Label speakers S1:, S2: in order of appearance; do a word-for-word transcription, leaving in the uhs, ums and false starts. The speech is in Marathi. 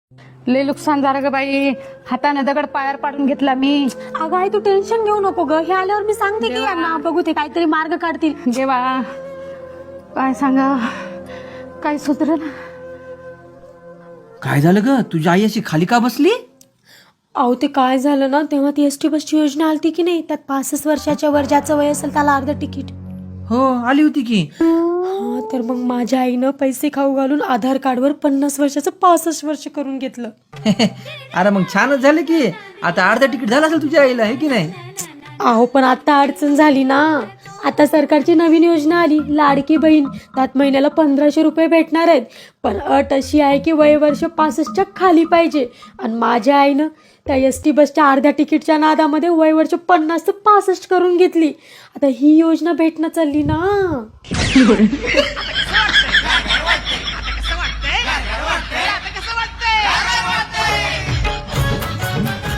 S1: लय नुकसान झालं ग बाई, हाताने दगड पायावर पाडून घेतला मी.
S2: अगं आई तू टेन्शन घेऊ नको ग, हे आल्यावर मी सांगते की यांना बघू ते काहीतरी मार्ग काढतील.
S1: देवा काय सांगा, काय सुधरण.
S3: काय झालं ग, तुझी आई अशी खाली का बसली?
S2: अहो ते काय झालं ना, तेव्हा ती एस टी बसची योजना आलती की नाही, त्यात पासष्ट वर्षाच्या वर ज्याचं वय असेल त्याला अर्ध तिकीट.
S3: हो आली होती की.
S2: हा तर मग माझ्या आईनं पैसे खाऊ घालून आधार कार्डवर पन्नास वर्षाचं पासष्ट वर्ष करून घेतलं.
S3: अरे मग छानच झालं की, आता अर्धा तिकीट झालं असेल तुझ्या आईला, हे की नाही?
S2: अहो पण आता अडचण झाली ना, आता सरकारची नवीन योजना आली लाडकी बहीण, त्यात महिन्याला पंधराशे रुपये भेटणार आहेत. पण अट अशी आहे की वय वर्ष पासष्टच्या खाली पाहिजे. आणि माझ्या आईनं त्या एस टी बसच्या अर्ध्या तिकीटच्या नादामध्ये वय वर्ष पन्नास ते पासष्ट करून घेतली. आता ही योजना भेटणं चालली ना.